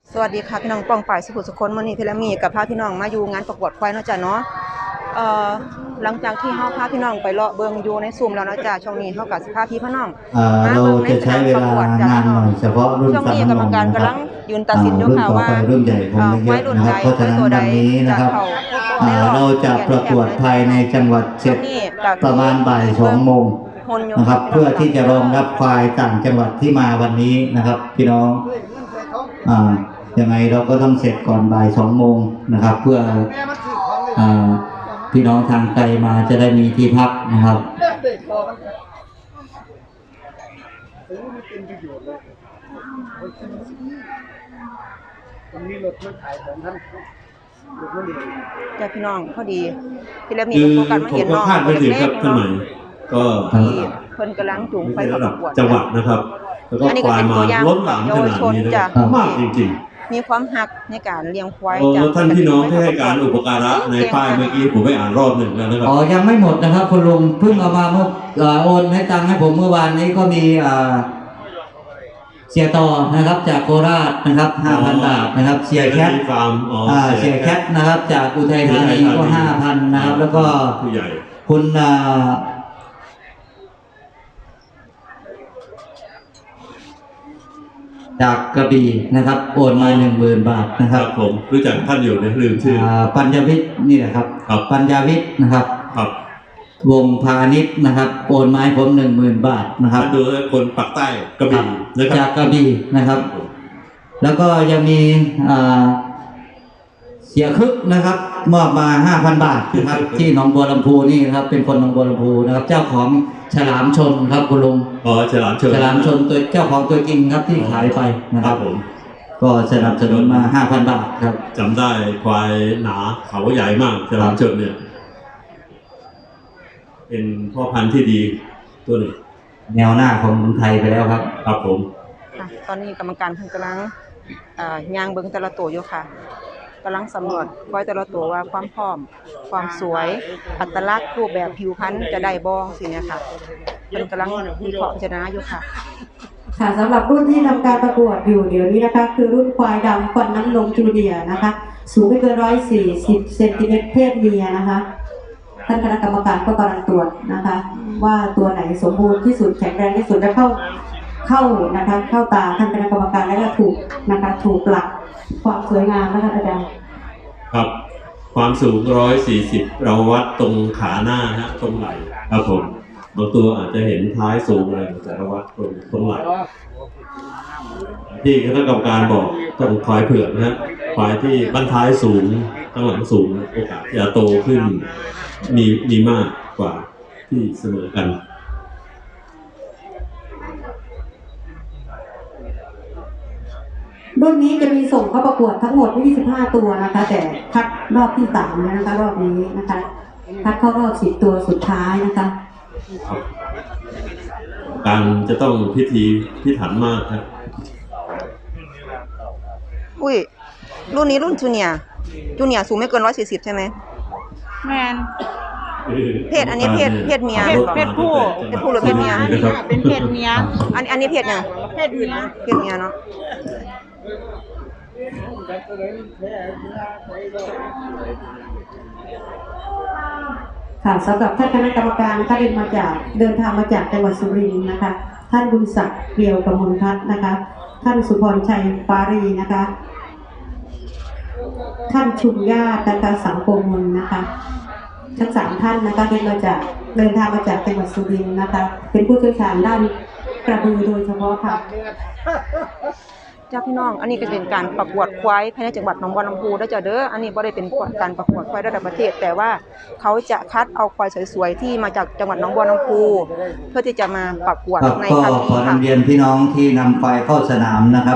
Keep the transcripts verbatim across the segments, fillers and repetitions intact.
สวัสดีค่ะพี่น้องป้องป่ายสุขุสุคนมื้อนี้พี่และมีกับพาพี่น้องมาอยู่งานประกวดควายเนาะจ้ะเนาะเอ่อหลังจากที่เฮาพาพี่น้องไปเลาะเบิ่งอยู่ในซุ้มแล้วเนาะจ้ะช่วงนี้เฮาก็สิพาพี่พี่น้องมาเบิ่งในสนามประกวดจ้ะพี่น้องเฉพาะรุ่นช่วงนี้กรรมการกำลังยืนตัดสินอยู่ค่ะว่ารุ่นใหญ่คงไม่เยอะนะครับเพราะฉะนั้นวันนี้นะครับเราจะประกวดภายในจังหวัดเชียงประมาณบ่ายสองโมงนะครับเพื่อที่จะรองรับควายต่างจังหวัดที่มาวันนี้นะครับพี่น้องอ่ายังไงเราก็ต้องเสร็จก่อนบ่ายสองโมงนะครับเพื่ออ่าพี่น้องทางไกลมาจะได้มีที่พักนะครับจ้ะพี่น้องพอดีพี่และมีโฟกัสมาเห็นน้องตัวเล็กๆเนาะก็ที่เพิ่นกำลังจูงไปประกวดจังหวัดนะครับแล้วก็ควายมาล้นหลามขนาดนี้นะมากจริงๆมีความหักในการเลี้ยงควายจากท่านพี่น้องที่ให้การอุปการะในป้ายเมื่อกี้ผมไปอ่านรอบหนึ่งแล้วนะครับอ๋อยังไม่หมดนะครับคุณลุงเพิ่งเอามาเมื่อโอนให้ตังค์ให้ผมเมื่อวานนี้ก็มีเสียต่อนะครับจากโคราชนะครับ ห้าพัน บาทนะครับเสียแคทเสียแคทนะครับจากอุทัยธานีก็ ห้าพัน นะครับแล้วก็คุณจากกระบี่นะครับโอนมา หนึ่งหมื่น บาทนะครับผมรู้จักท่านอยู่นะลืมชื่อปัญญวิทย์นี่แหละครับปัญญวิทย์นะครับวงพาณิชย์นะครับโอนมาให้ผม หนึ่งหมื่น บาทนะครับดูคนปักใต้กระบี่จากกระบี่นะครับแล้วก็ยังมีเสียคึกนะครับมอบมา ห้าพัน บาทนะครับที่หนองบัวลำพูนี่ครับเป็นคนหนองบัวลำพูนะครับเจ้าของฉลามชนครับคุณลุงอ๋อฉลามชนฉลามชนตัวเจ้าของตัวจริงครับที่ขายไปนะครับผมก็สนับสนุนมา ห้าพัน บาทครับจำได้ควายหนาเขาใหญ่มากฉลามชนเนี่ยเป็นพ่อพันธุ์ที่ดีตัวหนึ่งแนวหน้าของเมืองไทยไปแล้วครับครับผมตอนนี้กรรมการเพิ่งกำลังย่างเบิ้งแต่ละตัวอยู่ค่ะกำลังสำรวจควายแต่ละตัวว่าความพร้อมความสวยอัตลักษณ์รูปแบบผิวพรรณจะได้บ้องสิเนี่ยค่ะเป็นกำลังวิเคราะห์พิจารณาอยู่ค่ะค่ะสำหรับรุ่นที่ทำการประกวดอยู่เดี๋ยวนี้นะคะคือรุ่นควายดำฟันน้ำนมจูเนียร์นะคะสูงไม่เกินร้อยสี่สิบเซนติเมตรเพศเมียนะคะท่านคณะกรรมการก็กำลังตรวจนะคะว่าตัวไหนสมบูรณ์ที่สุดแข็งแรงที่สุดจะเข้าเข้านะคะเข้าตาท่านคณะกรรมการและก็ถูกนะคะถูกหลักความสวยงามนะคะอาจารย์ครับความสูงหนึ่งร้อยสี่สิบเราวัดตรงขาหน้าฮะตรงไหล่ครับผมบางตัวอาจจะเห็นท้ายสูงอะไรแต่เราวัดตรงตรงไหล่ที่คณะกรรมการบอกต้องควายเผือกนะฮะควายที่บั้นท้ายสูงข้างหลังสูงโอกาสจะโตขึ้นมีมีมากกว่าที่เสมอกันรุ่นนี้จะมีส่งเข้าประกวดทั้งหมดยี่สิบห้าตัวนะคะแต่คัดรอบที่สามนะคะรอบนี้นะคะคัดเข้ารอบสิบตัวสุดท้ายนะคะการจะต้องพิธีพิถันมากครับอุ้ยรุ่นนี้รุ่นจูเนียร์จูเนียร์สูงไม่เกินร้อยสี่สิบใช่ไหมแมนเพศอันนี้เพศเพศเมียเพศผู้เพศผู้หรือเพศเมียเป็นเพศเมียอันอันนี้เพศเนี่ยเพศเมียเพศเมียเนาะค่ะสำหรับท่านคณะกรรมการท่านเดินมาจากเดินทางมาจากจังหวัดสุรินทร์นะคะท่านบุญศักดิ์เกลียวกมลพัฒน์นะคะท่านสุพรชัยปารีนะคะท่านชุมญาตินะคะสังโกมลนะคะทั้งสามท่านนะคะเดินมาจากเดินทางมาจากจังหวัดสุรินทร์นะคะเป็นผู้เชี่ยวชาญด้านกระบือโดยเฉพาะค่ะเจ้าพี่น้องอันนี้ก็เป็นการประกวดควายภายในจังหวัดหนองบัวลำพูได้จ้ะเด้ออันนี้ไม่ได้เป็นการประกวดควายระดับประเทศแต่ว่าเขาจะคัดเอาควายสวยๆที่มาจากจังหวัดหนองบัวลำพูเพื่อที่จะมาประกวดในครั้งนี้ค่ะขอเรียนพี่น้องที่นำควายเข้าสนามนะครับ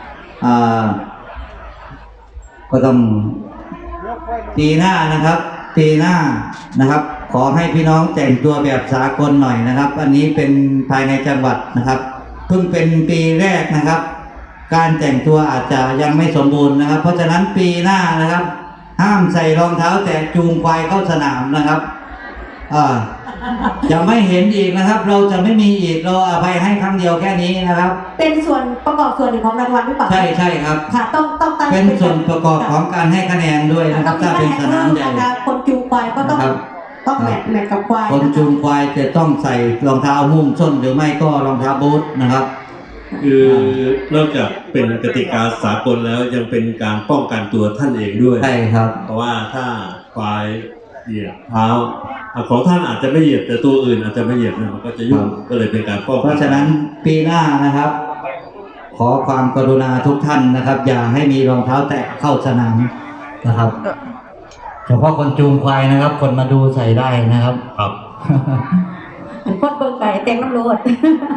ก็ต้องปีหน้านะครับปีหน้านะครับขอให้พี่น้องแต่งตัวแบบสากลหน่อยนะครับอันนี้เป็นภายในจังหวัดนะครับเพิ่งเป็นปีแรกนะครับการแต่งตัวอาจจะยังไม่สมบูรณ์นะครับเพราะฉะนั้นปีหน้านะครับห้ามใส่รองเท้าแตะจูงควายเข้าสนามนะครับอ่าจะไม่เห็นอีกนะครับ เราจะไม่มีอีกเราอภัยให้ครั้งเดียวแค่นี้นะครับเป็นส่วนประกอบส่วนหนึ่งของรางวัลหรือเปล่าใช่ใช่ครับค่ะต้องต้องตั้งเป็นส่วนประกอบของการให้คะแนนด้วยนะครับถ้าเป็นสนามใหญ่นะคะคนจูงควายก็ต้องครับต้องแมทแมทกับควายคนจูงควายจะต้องใส่รองเท้าหุ้มส้นหรือไม่ก็รองเท้าบูทนะครับคือนอกจากเป็นกติกาสากลแล้วยังเป็นการป้องกันตัวท่านเองด้วยใช่ครับเพราะว่าถ้าควายเหยียบเท้าอ่ะของท่านอาจจะไม่เหยียบแต่ตัวอื่นอาจจะไม่เหยียบเนี่ยมันก็จะยุ่งก็เลยเป็นการป้องกันเพราะฉะนั้นปีหน้านะครับ ขอความกรุณาทุกท่านนะครับ อย่าให้มีรองเท้าแตะเข้าสนามนะครับเฉพาะคนจูงควายนะครับ คนมาดูใส่ได้นะครับครับเป็นคนเบิ่งไก่เต็มน้ำโลด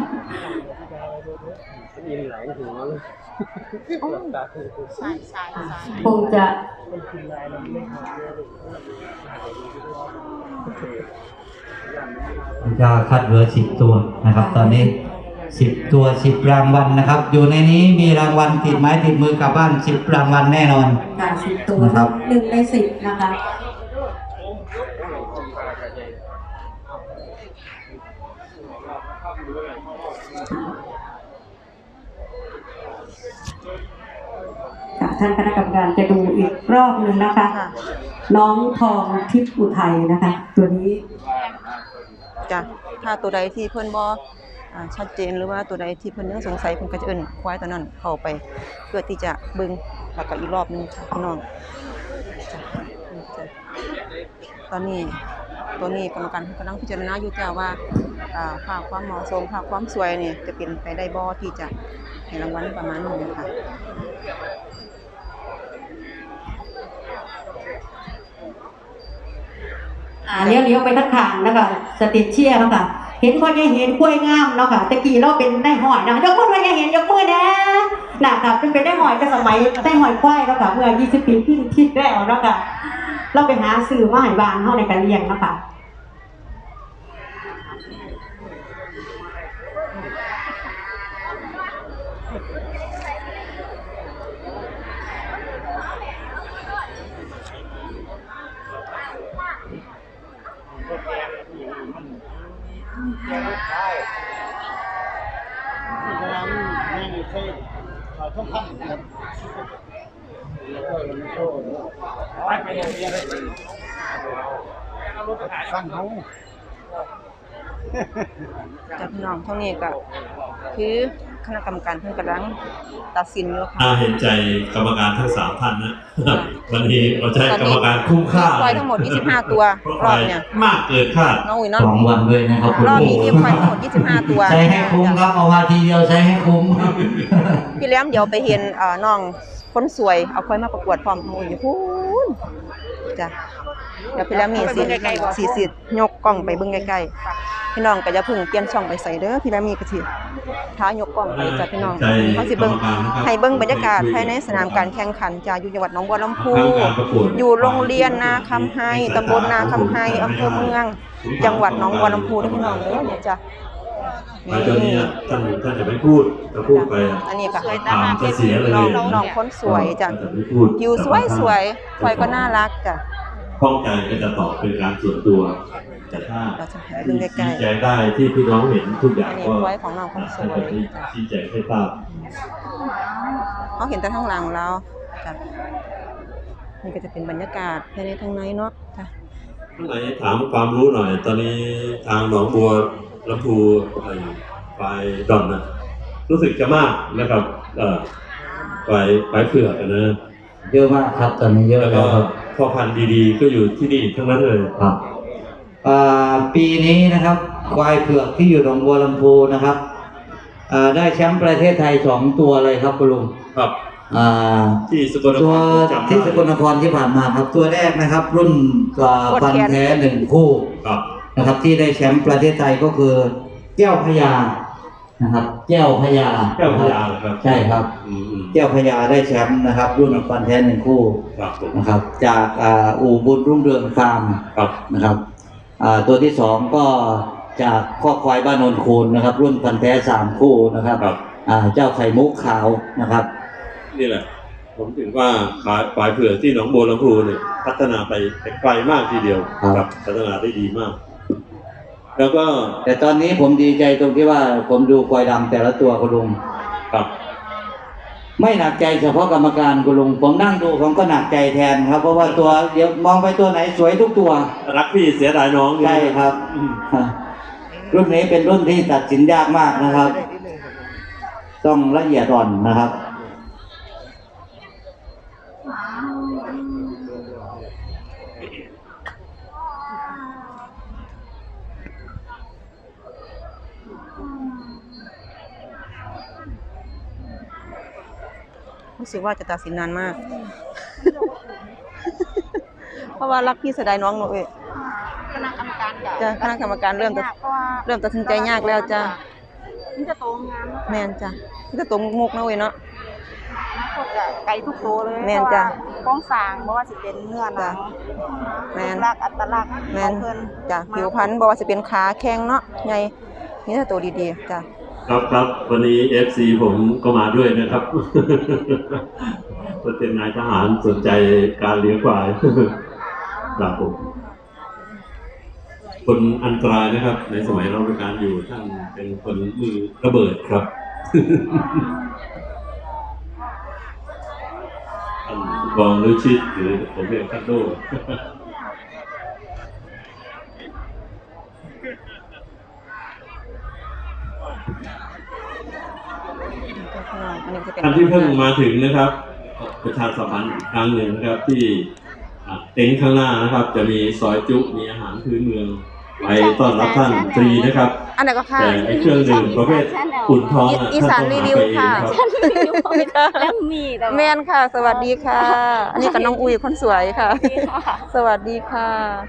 คงจะจะคัดเหลือสิบตัวนะครับ ตอนนี้สิบตัวสิบรางวัลนะครับ อยู่ในนี้มีรางวัลติดไม้ติดมือกลับบ้านสิบรางวัลแน่นอนการสิบตัวนะครับหนึ่งในสิบนะคะค่ะท่านคณะกรรมการจะดูอีกรอบหนึ่งนะคะค่ะน้องทองทิพย์อุทัยนะคะ ตัวนี้จ้ะถ้าตัวใดที่เพิ่นบ่อ่าชัดเจนหรือว่าตัวใดที่เพิ่นยังสงสัยเพิ่นก็จะเอิ้นควายตัวนั้นเข้าไป เพื่อที่จะเบิ่งแล้วก็อีกรอบหนึงค่ะพี่น้องจ้ะจ้ะตอนนี้ตัวนี้กรรมการเพิ่นกำลังพิจารณาอยู่จ้ะว่าอ่าภาพความเหมาะสมภาพความสวยนี่จะเป็นไปได้บ่ที่จะให้รางวัลประมาณนี้ค่ะอ่าเลี้ยวเลี้ยวไปทั้งขางนะคะสติเชียร์นะคะเห็นคนยังเห็นกล้วยงามเนาะค่ะตะกี้เราเป็นได้หอยนะยกมือคนยังเห็นยกมือนะน่ะค่ะเป็นเป็นได้หอยแต่สมัยได้หอยควายแล้วค่ะเมื่อยี่สิบปีที่ที่แล้วเนาะค่ะเราไปหาซื้อมาให้บ้านเฮาในการเลี้ยงเนาะค่ะจากพี่น้องเท่านี้ก็คือคณะกรรมการเพิ่นกำลังตัดสินอยู่ค่ะน่าเห็นใจกรรมการทั้งสามท่านนะ วันนี้เราจะให้กรรมการคุ้มค่าควายทั้งหมดยี่สิบห้าตัวเพราะรควาอบยเนี่ยมากเกินคาดน้องอุ๋ยเนาะสองวันด้วยนะครับคุณรอบครูนี้มีควายทั้งหมดยี่สิบห้าตัวใช้ให้คุ้มครับเอามาทีเดียวใช้ให้คุ้มพี่แหลมเดี๋ยวไปเห็นเอ่อน้องคนสวยเอาควายมาประกวดพร้อมน้องอุ๋ยพูนจ้ะเดี๋ยวพี่แหลมมีสิสิสิยกกล้องไปเบิ่งใกล้ๆพี่น้องก็อย่าเพิ่งเปลี่ยนช่องไปใส่เด้อพี่แหลมมีก็สิท้ายกกล้องไปจ้ะพี่น้องเขาสิเบิ่งให้เบิ่งบรรยากาศภายในสนามการแข่งขันจ้ะอยู่จังหวัดหนองบัวลำพู อยู่โรงเรียนนาคำไฮตำบลนาคำไฮอำเภอเมือง จังหวัดหนองบัวลำพูเด้อพี่น้องเด้อเนี่ยจ้ะไปตัวนี้อะท่านท่านจะไม่พูดถ้าพูดไปอะอันนี้ก็ถามจะเสียเลยน้องน้องคนสวยจ้ะจะไม่พูดผิวสวยสวยควายก็น่ารักจ้ะข้องใจก็จะตอบเป็นการส่วนตัว แต่ถ้าเราจะหาดูใกล้ๆชี้แจงได้ที่พี่น้องเห็นทุกอย่างอันนี้ก็ไว้ของน้องคนสวยท่านจะชี้แจงให้ทราบเขาเห็นแต่ข้างหลังเราจ้ะนี่ก็จะเป็นบรรยากาศภายในทางในเนาะจ้ะข้างในถามความรู้หน่อย ตอนนี้ทางหนองบัวลำพูไอ้ไฟดอนนะรู้สึกจะมากนะครับเอ่อไฟไฟเผือกอะนะเยอะมากครับตอนนี้เยอะแล้วแล้ก็วครับพ่อพันธุ์ดีๆ ก็อยู่ที่นี่ทั้งนั้นเลยครับอ่าปีนี้นะครับควายเผือกที่อยู่หนองบัวลำพูนะครับอ่าได้แชมป์ประเทศไทยสองตัวเลยครับคุณลุงครับอ่าที่สกลนตัคว รจำได้ที่สกลนครที่ผ่านมาครับ ตัวแรกนะครับ รุ่นอ่าฟันแท้หนึ่งคู่ครับนะครับ ที่ได้แชมป์ประเทศไทยก็คือแก้วพญานะครับ แก้วพญาแก้วพญาเหรอครับใช่ครับอืมอืมแก้วพญาได้แชมป์นะครับ รุ่นฟันแท้หนึ่งคู่ครับผมนะครับ จากอ่าอู่บุญรุ่งเรืองฟาร์มครับนะครับอ่าตัวที่สองก็จากข้อควายบ้านโนนคูนนะครับ รุ่นพันแท้สามคู่นะครับครับอ่าเจ้าไข่มุกขาวนะครับนี่แหละ ผมถึงว่าขายควายเผือกที่หนองบัวลำพูเนี่ยพัฒนาไปไกลมากทีเดียวครับครับพัฒนาได้ดีมากแล้วก็แต่ตอนนี้ผมดีใจตรงที่ว่าผมดูควายดำแต่ละตัวคุณลุงครับไม่หนักใจเฉพาะกรรมการคุณลุงผมนั่งดูผมก็หนักใจแทนครับ เพราะว่าตัวเดี๋ยวมองไปตัวไหนสวยทุกตัวรักพี่เสียดายน้องใช่ครับอืมรุ่นนี้เป็นรุ่นที่ตัดสินยากมากนะครับ ต้องละเอียดอ่อนนะครับรู้สึกว่าจะตัดสินนานมาก เพราะว่ารักพี่เสียดายน้องหนูเอ้ยคณะกรรมการจ้ะคณะกรรมการเริ่มตัดเพราะว่าเริ่มตัดสินใจยากแล้วจ้ะมันจะโตงามแม่นจ้ะนี่ก็ตัวมุกๆนะเว้ยเนาะนะคนจะไกลทุกโตเลยแม่นจ้ะเพราะว่าโครงสร้างบ่ว่าสิเป็นเนื้อหนังแม่นลักษณ์อัตลักษณ์แม่ขอน งเพิ่นจ้ะผิวพรรณบ่ว่าสิเป็นขาแข้งเนาะใหญ่นี่ถ้าตัวดีๆจ้ะครับครับวันนี้ เอฟ ซี ผมก็มาด้วยนะครับ เป็นนายทหารสนใจการเลี้ยงควาย ครับผมคนอันตรายนะครับ ในสมัยเราราชการอยู่ท่านเป็นคนมือระเบิดครับ ท่านกองฤชิตหรือผมเรียกท่านโดอันนี้จะเป็นท่านที่เพิ่งมาถึงนะครับ ประชาสัมพันธ์อีกครั้งหนึ่งนะครับที่อ่ะเต็นท์ข้างหน้านะครับ จะมีซอยจุมีอาหารพื้นเมืองไว้ต้อนรับท่านฟรีนะครับอันไหนก็ค่ะแต่ไอ้เครื่องดื่มประเภทอุ่นท้องะอีสานท่รีต้องวิวหไปเองค่ะรับแล้วมีแต่ว่าแม่นค่ะ สวัสดีค่ะ อันนี้กับน้องอุ้ยคนสวยค่ะ สวัสดีค่ะ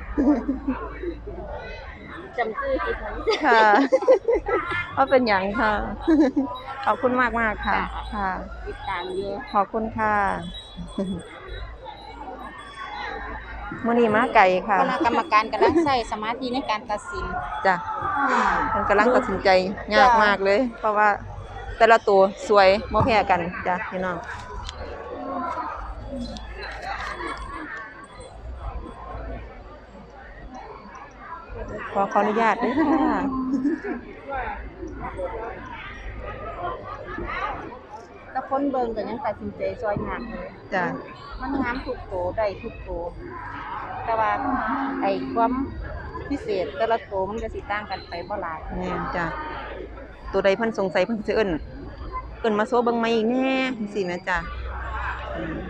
จำชื่อผิดไหมค่ะว่าเป็นอย่างค่ะ ขอบคุณมากมากๆค่ะ ค่ะติดตามอยู่ขอบคุณค่ะมื่อนี้มาไก่ค่ะคณะกรรมการกำลังใช้สมาธิในการตัดสินจ้ะมันกำลังตัดสินใจยากมากเลย เพราะว่าแต่ละตัวสวยบ่แพ้กันจ้ะพี่น้องขอขออนุญาตด้วยค่ะแต่คนเบิ่งก็ยังตัดสินใจซอยยากเลยจ้ะมันงามทุกโตได้ทุกโตแต่ว่าไอ้ความพิเศษแต่ละโตมันก็สิต่างกันไปบ่หลายแม่นจ้ะตัวใดเพิ่นสงสัยเพิ่นสิเอิ้นเอิ้นมาโซเบิ่งใหม่อีกแน่จังซี่แม่จ้ะอืม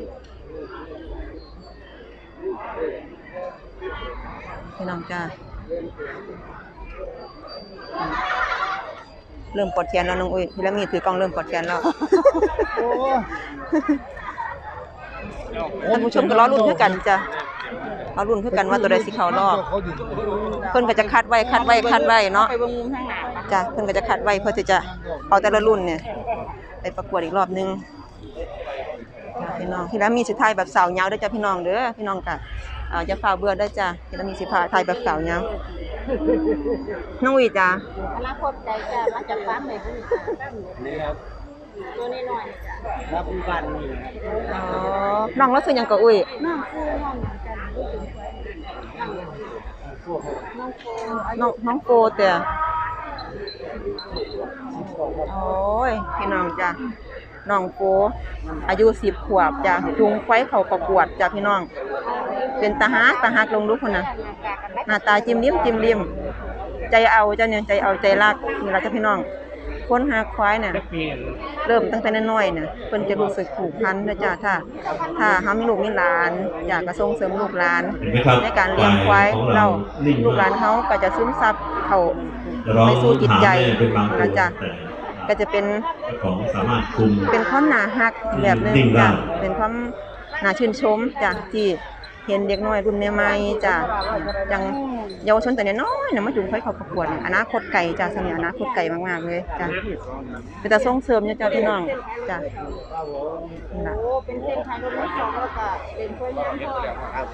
พี่น้องจ้ะเริ่มปวดแขนแล้วน้องอุ้ยพี่ละมีถือกล้องเริ่มปวดแขนแล้วท่านผู้ชมก็รอลุ้นคือกันจ้ะรอลุ้นคือกันว่าตัวใดสิเข้ารอบเพิ่นก็จะคัดไว้คัดไว้คัดไว้เนาะไปเบิ่งมุมทางหน้าปะจ้ะเพิ่นก็จะคัดไว้เพื่อที่จะเอาแต่ละรุ่นเนี่ยไปประกวดอีกรอบนึงจ้ะพี่น้องพี่ละมีสิถ่ายแบบสาวยาวเด้อจ้ะพี่น้องเด้อพี่น้องก็เอ่ออย่าฝ่าเบื่อเด้อจ้ะพี่ละมีสิถ่ายแบบสาวยาวน้องอุ้ยจ้ะอนาคตใจจะมาจากฟาร์มไหนพุ่นนี่ครับตัวน้อยๆจ้ะรับบ้านนี่อ๋อน้องเราซื้อหยังก็อุ้ยน้องคือน้องเหมือนกันรู้สึกไว้น้องโฟน้องน้องโฟเต่โอ้ยพี่น้องจ้ะน้องโฟอายุสิบขวบจ้ะจูงควายเข้าประกวดจ้ะพี่น้องเป็นตาฮักตาฮักลงดูพุ่นน่ะ หน้าตาจิ้มลิ้มจิ้มลิ้มใจเอาเจ้าเนี่ยใจเอาใจรักนี่ล่ะจ้ะพี่น้องคนหาควายเนี่ยเริ่มตั้งแต่น้อยๆเนี่ยเพิ่นจะรู้สึกผูกพันนะจ้ะถ้าถ้าเฮามีลูกมีหลานอยากจะส่งเสริมลูกหลานเห็นไหมครับในการเลี้ยงควายของเรานิ่งมลูกหลานเฮาก็จะซึมซับเข้าจะร้องไปสู่จิตใจถามแม่เป็นบางตัวนะจ๊ะแต่ก็จะเป็นเจ้าของสามารถคุมเป็นความน่าฮักแบบหนึงนิ่งได้จ้ะเป็นความน่าชื่นชมจ้ะที่เห็นเด็กน้อยรุ่นใหม่ๆจ้ะยังเยาวชนแต่น้อยๆน่ะมาจุงค่อยเข้าประกวดเนี่ยอนาคตไกลจ้ะสมัยอนาคตไกลมากๆเลยจ้ะเป็นแต่ส่งเสริมอยู่จ้ะพี่น้องจ้ะนี่ล่ะโอ้เป็นเส้นทางรถไฟสองแล้วก็เป็นกล้วยย่างทอด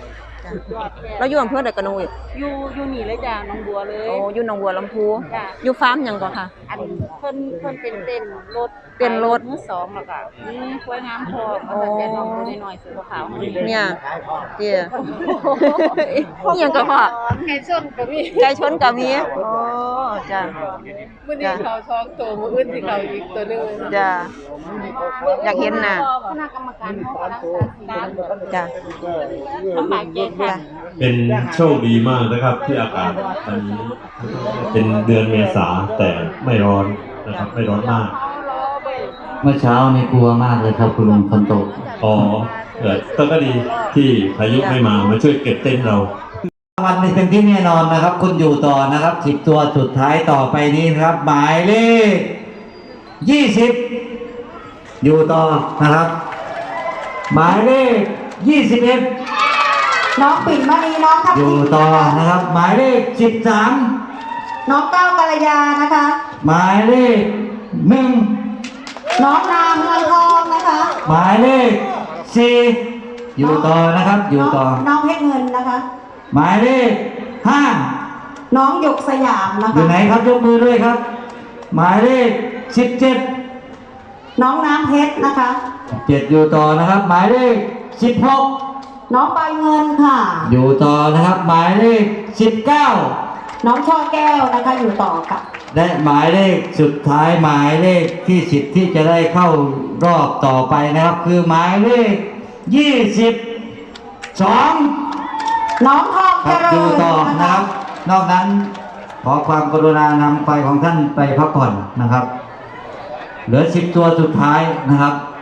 เราอยู่อำเภอใดกันนุ้ยอยู่อยู่นี่เลยจ้ะหน้องบัวเลยโอ้อยู่หนองบัวลำพูจ้ะอยู่ฟาร์มหยังก่อนค่ะอันเพิ่นเพิ่นเป็นเต้นรถเต้นรถมือสองแล้วก็นี่กล้วยน้ำทองเอาแต่น้องตัวน้อยๆสีขาวๆนี่เนี่ยเจียนี่ยังก็พ่อไก่ชนก็มีไก่ชนก็มีโอ้จ้ะมื้อนี้เขาช่องตัวมื้ออื่นสิเขาอีกตัวนึงจ้ะอยากเห็นน่ะคณะกรรมการเฮากำลังตัดสินการจ้ะลำบากใจแท้จ้ะเป็นโชคดีมากนะครับที่อากาศตอนนี้เป็นเดือนเมษาแต่ไม่ร้อนนะครับไม่ร้อนมากเมื่อเช้านี่กลัวมากเลยครับคุณลุงฝนตกอ๋อเออแต่ก็ดีที่พายุไม่มามาช่วยเก็บเต้นท์เราวันนี้เป็นที่แน่นอนนะครับ คุณอยู่ต่อนะครับสิบตัวสุดท้ายต่อไปนี้นะครับ หมายเลขยี่สิบอยู่ต่อนะครับ หมายเลขยี่สิบเอ็ดน้องปิ่นมณีน้องทัพอยู่ทิมต่อนะคะนะครับ หมายเลขสิบสามน้องก้าวกัลยานะคะหมายเลขหนึ่งน้องนามเมืองทองนะคะหมายเลขสี่อยู่ต่อนะครับ อยู่ต่อน้องเพชรเงินนะคะหมายเลขห้าน้องหยกสยามนะอยู่คะไหนครับยกมือด้วยครับ หมายเลขสิบเจ็ดน้องน้ำเพชรนะคะเจ็ดอยู่ต่อนะครับ หมายเลขสิบหกน้องใบเงินค่ะอยู่ต่อนะครับ หมายเลขสิบเก้าน้องช่อแก้วนะคะอยู่ต่อกับและหมายเลขสุดท้ายหมายเลขที่สิบที่จะได้เข้ารอบต่อไปนะครับ คือหมายเลขยี่สิบสองน้องทองคเจรับริอยู่ญต่อนะนะคะ ครับ นอกนั้นขอความกรุณานำไฟของท่านไปพักผ่อนนะครับ เหลือสิบตัวสุดท้ายนะครับ